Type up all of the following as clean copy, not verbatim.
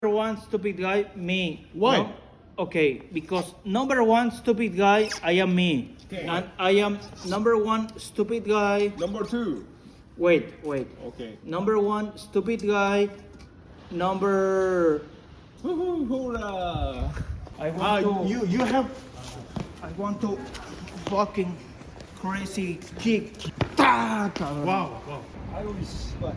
Number one stupid guy, me. Why? No? Okay, because number one stupid guy, I am me. Okay. And I am number one stupid guy. Number two. Wait. Okay. Number one stupid guy. Number. Woohoo! Hoorah! I want to. you have. I want to fucking crazy kick. Wow. Wow. 아유 씨발.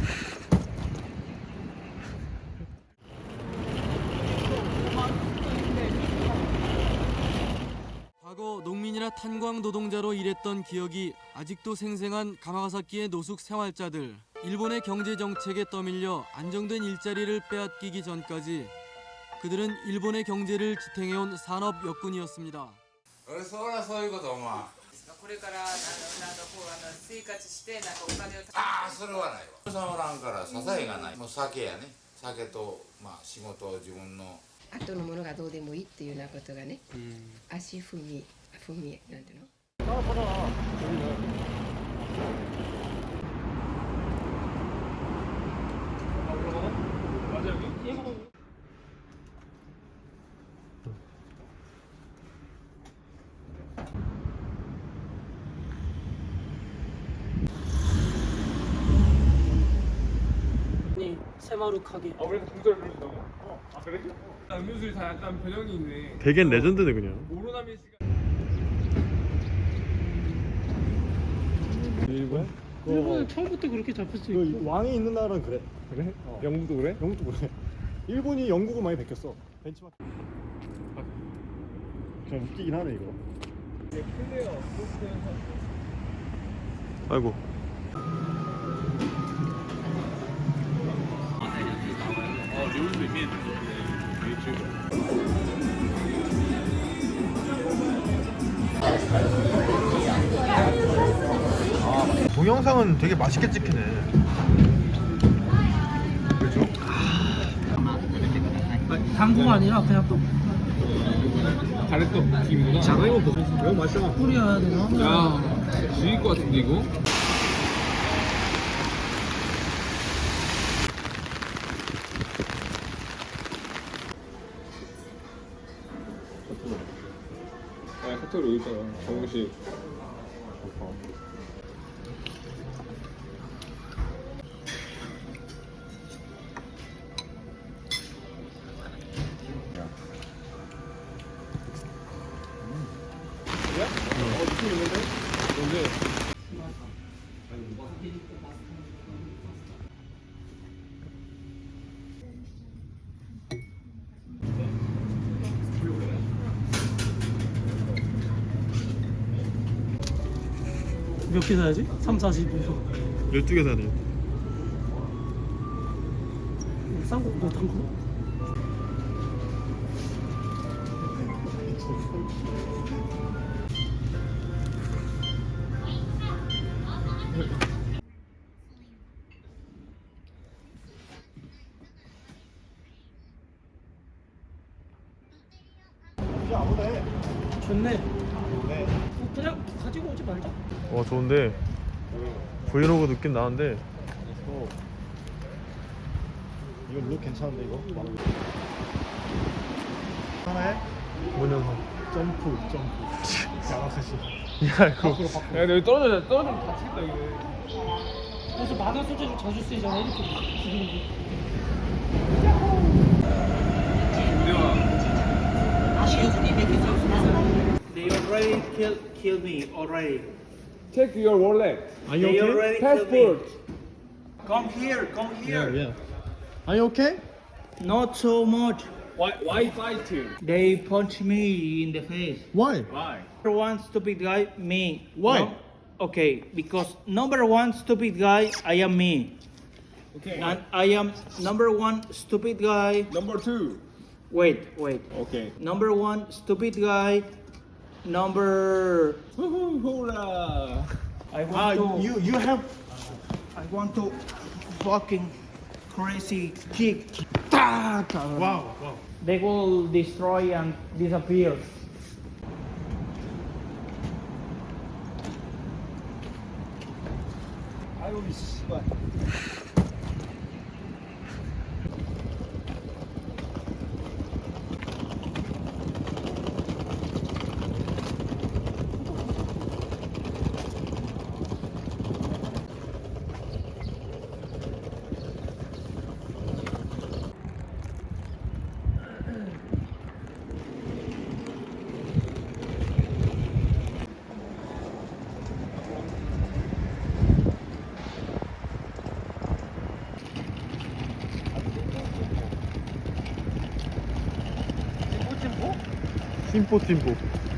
과거 농민이나 탄광 노동자로 일했던 기억이 아직도 생생한 가마가사키의 노숙 생활자들. 일본의 경제 정책에 떠밀려 안정된 일자리를 빼앗기기 전까지 그들은 일본의 경제를 지탱해온 산업 역군이었습니다. そりゃそういうことお前これから生活してお金をああそれはないわさんおらんから支えがないもう酒やね酒とまあ仕事を自分の後のものがどうでもいいっていうようなことがね、足踏みなんていうの 새마룩하게. 아 그래서 동작을 그려준다고? 아 그래? 음료수에 다 약간 변형이 있네. 되게 레전드네 그냥. 오로나미 씨가. 일본? 일본은 처음부터 그렇게 잡힐 수 있고. 그 왕이 있는 나라는 그래. 그래? 영국도 그래? 영국도 그래. 일본이 영국을 많이 베꼈어. 벤치마크. 그냥 웃기긴 하네 이거. 클레어 아이고. 동영상은 되게 맛있게 찍히네. 그렇죠? 당구가 아니라 그냥 또 가래떡 튀김이구나. 장어이모 너무 맛있어. 뿌려야 되나? 야 죽일 것 같은데 이거? 아 카톡으로 여기 있잖아 정우식. 느낌 있는데? 뭔데? 몇 개 사야지? 3, 40분. 12개 사네. 싼거 뭐 당구? 진짜 아무네. 좋네. 네. 그냥 가지고 오지 말자. 좋은데 브이로그 느낌 나는데 이거 룩 괜찮은데 이거? 하나에 뭔 영상? 점프 야마카시. 야 이거 야 근데 여기 떨어지면 다치겠다 여기. 그래서 만화 소재로 자주 쓰이잖아 이렇게 죽이는 게. They already killed me already. Check your wallet. Are you They okay? already killed Passport. me. Come here. Yeah. Are you okay? Not so much. Why fight him? They punch me in the face. Why? Why? Number one stupid guy, me. Why? No? Okay, because number one stupid guy, I am me. Okay. And I am number one stupid guy. Number two. Wait. Okay. Number one stupid guy. Number. Woohoo! Hoorah! I want to. you have. I want to fucking crazy kick. Wow. They will destroy and disappear. 아유 씨발. 팀포 팀포.